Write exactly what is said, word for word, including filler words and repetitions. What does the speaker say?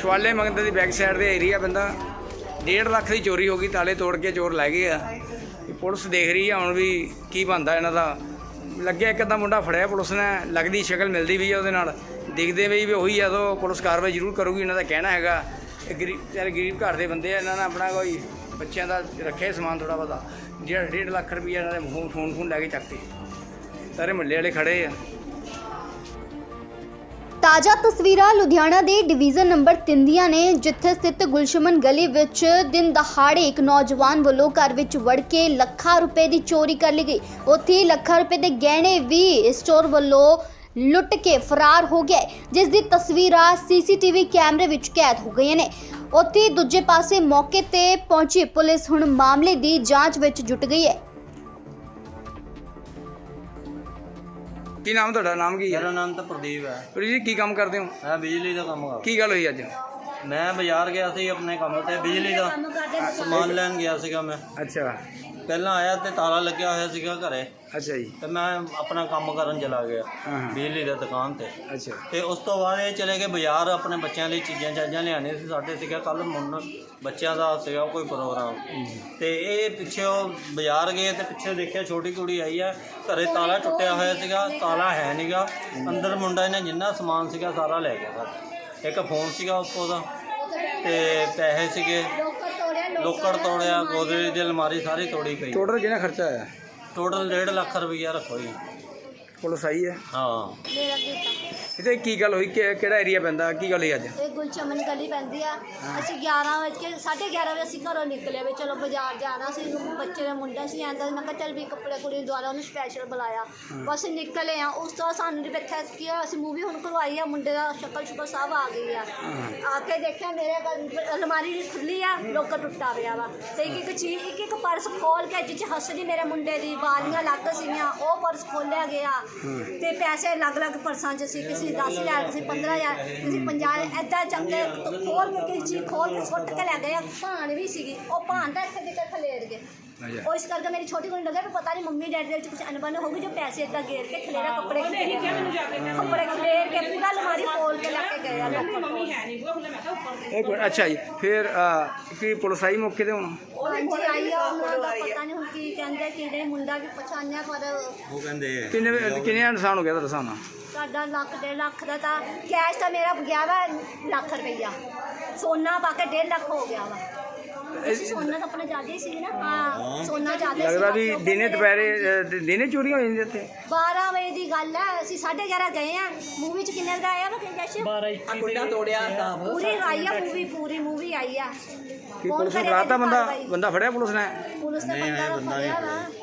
ਸ਼ਵਾਲੇ ਮੰਦਰ ਦੀ back side ਦੇ ਏਰੀਆ ਬੰਦਾ डेढ़ ਲੱਖ ਦੀ ਚੋਰੀ ਹੋ ਗਈ। ਤਾਲੇ ਤੋੜ ਕੇ ਚੋਰ ਲੈ ਗਏ ਆ। ਪੁਲਿਸ ਦੇਖ ਰਹੀ ਆ ਹੁਣ ਵੀ ਕੀ ਬਣਦਾ ਇਹਨਾਂ ਦਾ। ਲੱਗਿਆ ਇੱਕ ਅੱਧਾ ਮੁੰਡਾ ਫੜਿਆ ਪੁਲਿਸ ਨੇ, ਲੱਗਦੀ ਸ਼ਕਲ ਮਿਲਦੀ ਵੀ ਆ ਉਹਦੇ ਨਾਲ, ਦਿਖਦੇ ਵੀ ਵੀ ਉਹੀ ਆ। ਤਾਂ ਪੁਲਿਸ ਕਾਰਵਾਈ ਜ਼ਰੂਰ ਕਰੂਗੀ। ਇਹਨਾਂ ਦਾ ਕਹਿਣਾ ਹੈਗਾ ਇਹ ਗਰੀਬ ਵਿਚਾਰੇ ਗਰੀਬ ਘਰ ਦੇ ਬੰਦੇ ਆ, ਇਹਨਾਂ ਨੇ ਆਪਣਾ ਕੋਈ ਬੱਚਿਆਂ ਦਾ ਰੱਖਿਆ ਸਮਾਨ ਥੋੜ੍ਹਾ ਬਹੁਤਾ। ਜਿਹੜਾ ਡੇਢ ਲੱਖ ਰੁਪਈਆ ਇਹਨਾਂ ਦੇ ਫੋਨ ਫੋਨ ਫੋਨ ਲੈ ਕੇ ਚੱਕਤੇ। ਸਾਰੇ ਮੁਹੱਲੇ ਵਾਲੇ ਖੜੇ ਆ। ਤਾਜ਼ਾ ਤਸਵੀਰਾਂ ਲੁਧਿਆਣਾ ਦੇ ਡਿਵੀਜ਼ਨ ਨੰਬਰ ਤਿੰਨ ਦੀਆਂ ਨੇ, ਜਿੱਥੇ ਸਥਿਤ ਗੁਲਸ਼ਮਨ ਗਲੀ ਵਿੱਚ ਦਿਨ ਦਹਾੜੇ ਇੱਕ ਨੌਜਵਾਨ ਵੱਲੋਂ ਘਰ ਵਿੱਚ ਵੜ ਕੇ ਲੱਖਾਂ ਰੁਪਏ ਦੀ ਚੋਰੀ ਕਰ ਲਈ ਗਈ। ਉੱਥੇ ਲੱਖਾਂ ਰੁਪਏ ਦੇ ਗਹਿਣੇ ਵੀ ਇਸ ਚੋਰ ਵੱਲੋਂ ਲੁੱਟ ਕੇ ਫਰਾਰ ਹੋ ਗਿਆ, ਜਿਸ ਦੀ ਤਸਵੀਰਾਂ ਸੀਸੀਟੀਵੀ ਕੈਮਰੇ ਵਿੱਚ ਕੈਦ ਹੋ ਗਈਆਂ ਨੇ। ਉੱਥੇ ਦੂਜੇ ਪਾਸੇ ਮੌਕੇ ਤੇ ਪਹੁੰਚੀ ਪੁਲਿਸ ਹੁਣ ਮਾਮਲੇ ਦੀ ਜਾਂਚ ਵਿੱਚ ਜੁਟ ਗਈ ਹੈ। ਕੀ ਨਾਮ ਤੁਹਾਡਾ? ਨਾਮ ਕੀ ਹੈ? ਮੇਰਾ ਨਾਮ ਤਾਂ ਪ੍ਰਦੀਪ ਹੈ। ਪ੍ਰਦੀਪ ਜੀ ਕੀ ਕੰਮ ਕਰਦੇ ਹੋ? ਮੈਂ ਬਿਜਲੀ ਦਾ ਕੰਮ ਕਰਦਾ। ਕੀ ਗੱਲ ਹੋਈ ਅੱਜ? ਮੈਂ ਬਾਜ਼ਾਰ ਗਿਆ ਸੀ ਆਪਣੇ ਕੰਮ ਤੇ, ਬਿਜਲੀ ਦਾ ਸਮਾਨ ਲੈਣ ਗਿਆ ਸੀਗਾ ਮੈਂ। ਅੱਛਾ। ਪਹਿਲਾਂ ਆਇਆ ਤੇ ਤਾਲਾ ਲੱਗਿਆ ਹੋਇਆ ਸੀਗਾ ਘਰੇ, ਅੱਛਾ ਜੀ। ਤੇ ਮੈਂ ਆਪਣਾ ਕੰਮ ਕਰਨ ਚਲਾ ਗਿਆ ਹਾਂ ਹਾਂ। ਬਿਜਲੀ ਦੀ ਦੁਕਾਨ ਤੇ। ਅੱਛਾ। ਤੇ ਉਸ ਤੋਂ ਬਾਅਦ ਇਹ ਚਲੇ ਗਏ ਬਾਜ਼ਾਰ ਆਪਣੇ ਬੱਚਿਆਂ ਲਈ ਚੀਜ਼ਾਂ ਚਾਜ਼ਾਂ ਲਿਆਉਣੀਆਂ ਸੀ। ਸਾਡੇ ਸੀਗਾ ਕੱਲ੍ਹ ਮੁੰਨ ਬੱਚਿਆਂ ਦਾ ਸੀਗਾ ਕੋਈ ਪ੍ਰੋਗਰਾਮ, ਤੇ ਇਹ ਪਿੱਛੇ ਉਹ ਬਾਜ਼ਾਰ ਗਏ ਤੇ ਪਿੱਛੇ ਦੇਖਿਆ ਛੋਟੀ ਕੁੜੀ ਆਈ ਆ, ਘਰੇ ਤਾਲਾ ਟੁੱਟਿਆ ਹੋਇਆ ਸੀਗਾ, ਤਾਲਾ ਹੈ ਨਹੀਂਗਾ ਅੰਦਰ। ਮੁੰਡਾ ਇਹਨੇ ਜਿੰਨਾ ਸਮਾਨ ਸੀਗਾ ਸਾਰਾ ਲੈ ਗਿਆ ਸਾਡਾ। ਇੱਕ ਫੋਨ ਸੀਗਾ ਉੱਪਰ ਦਾ, ਤੇ ਪੈਸੇ ਸੀਗੇ, ਲੋਕਰ ਤੋੜਿਆ, ਗੋਦਰੇਜ ਦੀ ਅਲਮਾਰੀ ਸਾਰੀ ਤੋੜੀ ਪਈ। ਟੋਟਲ ਕਿੰਨਾ ਖਰਚਾ ਆਇਆ? ਟੋਟਲ ਡੇਢ ਲੱਖ ਰੁਪਈਆ ਰੱਖੋ ਜੀ। ਪੁਲਿਸ ਆਈ ਹੈ? ਹਾਂ। ਮੇਰਾ ਗੀਤਾ ਇੱਥੇ ਕੀ ਗੱਲ ਹੋਈ? ਕਿ- ਕਿਹੜਾ ਏਰੀਆ ਪੈਂਦਾ? ਕੀ ਗੱਲ ਹੋਈ ਅੱਜ? ਇਹ ਗੁਲਚਮਨ ਗਲੀ ਪੈਂਦੀ ਆ। ਅਸੀਂ ਗਿਆਰਾਂ ਵਜੇ ਸਾਢੇ ਗਿਆਰਾਂ ਵਜੇ ਅਸੀਂ ਘਰੋਂ ਨਿਕਲੇ ਵੀ ਚਲੋ ਬਾਜ਼ਾਰ ਜਾਣਾ ਸੀ। ਬੱਚੇ ਦਾ ਮੁੰਡਾ ਸੀ ਆਂਦਾ, ਮੈਂ ਕਿਹਾ ਚੱਲ ਵੀ ਕੱਪੜੇ ਕੁੜੀ ਦੁਆਰਾ ਉਹਨੂੰ ਸਪੈਸ਼ਲ ਬੁਲਾਇਆ। ਬਸ ਨਿਕਲੇ ਆ। ਉਸ ਤੋਂ ਸਾਨੂੰ ਨਹੀਂ ਵੇਖਿਆ ਕਿ ਅਸੀਂ ਮੂਵੀ ਹੁਣ ਕਰਵਾਈ ਆ, ਮੁੰਡੇ ਦਾ ਸ਼ਕਲ ਸ਼ੁਕਲ ਸਭ ਆ ਗਈ ਆ। ਆ ਕੇ ਦੇਖਿਆ ਮੇਰੇ ਘਰ ਅਲਮਾਰੀ ਖੁੱਲੀ ਆ, ਲੋਕਰ ਟੁੱਟਾ ਪਿਆ ਵਾ, ਤੇ ਇੱਕ ਇੱਕ ਚੀਜ਼ ਇੱਕ ਇੱਕ ਪਰਸ ਖੋਲ ਕੇ ਜਿੱਚ ਹੱਸਦੀ ਮੇਰੇ ਮੁੰਡੇ ਦੀ ਵਾਲੀਆਂ ਅਲੱਗ ਸੀਗੀਆਂ, ਉਹ ਪਰਸ ਖੋਲਿਆ ਗਿਆ। ਤੇ ਪੈਸੇ ਅਲੱਗ ਅਲੱਗ ਪਰਸਾਂ 'ਚ ਸੀ, ਕਿਸੇ ਦਸ ਹਜ਼ਾਰ, ਕਿਸੇ ਪੰਦਰਾਂ ਹਜ਼ਾਰ, ਕਿਸੇ ਪੰਜਾਹ, ਇੱਦਾਂ ਚੰਗੇ ਖੋਲ ਕੇ ਕਿਸੇ ਚੀਜ਼ ਖੋਲ ਕੇ ਸੁੱਟ ਕੇ ਲੈ ਗਏ। ਭਾਣ ਵੀ ਸੀਗੀ, ਉਹ ਭਾਣ ਤਾਂ ਇੱਥੇ ਦੇ ਖਲੇਰ ਗਏ। ਉਹ ਇਸ ਕਰਕੇ ਮੇਰੀ ਛੋਟੀ ਕੁੜੀ ਨੂੰ ਲੱਗਿਆ ਵੀ ਪਤਾ ਨਹੀਂ ਮੰਮੀ ਡੈਡੀ ਦੇ ਵਿੱਚ ਕੁਝ ਅਣਬਣ ਹੋਊਗੀ, ਜੋ ਪੈਸੇ ਇੱਦਾਂ ਗੇਰ ਕੇ ਖਲੇਰਾ ਕੱਪੜੇ ਕੱਪੜੇ ਖਲੇਰ ਕੇ ਪੂਰਾ ਅਲਮਾਰੀ ਖੋਲ ਕੇ ਲੈ ਕੇ ਗਏ ਆ ਲੋਕ। ਇੱਕ ਮਿੰਟ। ਅੱਛਾ ਜੀ। ਫਿਰ ਕੀ ਪੁਲਿਸ ਆਈ ਮੌਕੇ ਤੇ ਹੁਣ? ਹਾਂਜੀ ਆਈ ਆ। ਉਹਨਾਂ ਦਾ ਪਤਾ ਨਹੀਂ ਹੁਣ ਕੀ ਕਹਿੰਦੇ, ਕਿਹੜੇ ਮੁੰਡਾ ਵੀ ਪਛਾਣਿਆ, ਪਰ ਉਹ ਕਹਿੰਦੇ ਕਿੰਨੇ ਕਿੰਨੇ ਨੁਕਸਾਨ ਹੋ ਗਿਆ ਤੁਹਾਡਾ ਹਿਸਾਬ ਨਾਲ? ਸਾਡਾ ਲੱਖ ਡੇਢ ਲੱਖ ਦਾ ਤਾਂ ਕੈਸ਼ ਤਾਂ ਮੇਰਾ ਗਿਆ ਵਾ ਲੱਖ ਰੁਪਈਆ, ਸੋਨਾ ਪਾ ਕੇ ਡੇਢ ਲੱਖ ਹੋ ਗਿਆ ਵਾ। ਅਸੀਂ ਸੋਨਾ ਤਾਂ ਆਪਣਾ ਜ਼ਿਆਦਾ ਹੀ ਸੀ ਨਾ। ਹਾਂ ਸੋਨਾ ਜ਼ਿਆਦਾ ਸੀ। ਲੱਗਦਾ ਵੀ ਦਿਨੇ ਦੁਪਹਿਰੇ ਅ, ਦਿਨੇ ਚੋਰੀਆਂ ਹੋ ਜਾਂਦੀਆਂ ਇੱਥੇ? ਬਾਰਾਂ ਵਜੇ ਦੀ ਗੱਲ ਹੈ। ਅਸੀਂ ਸਾਢੇ ਗਿਆਰਾਂ ਗਏ ਆ। ਮੂਵੀ 'ਚ ਕਿੰਨੇ ਦਾ ਆਇਆ ਵਾ ਜੈਸ਼? ਕੁੰਡਾ ਤੋੜਿਆ ਪੂਰੀ ਆਈ ਆ ਮੂਵੀ, ਪੂਰੀ ਮੂਵੀ ਆਈ ਆ। ਕੀ ਪੁਲਿਸ ਨੂੰ ਫੜਾਤਾ ਬੰਦਾ? ਬੰਦਾ ਫੜਿਆ ਪੁਲਿਸ ਨੇ? ਪੁਲਿਸ ਨੇ ਬੰਦਾ ਫੜਿਆ ਵਾ।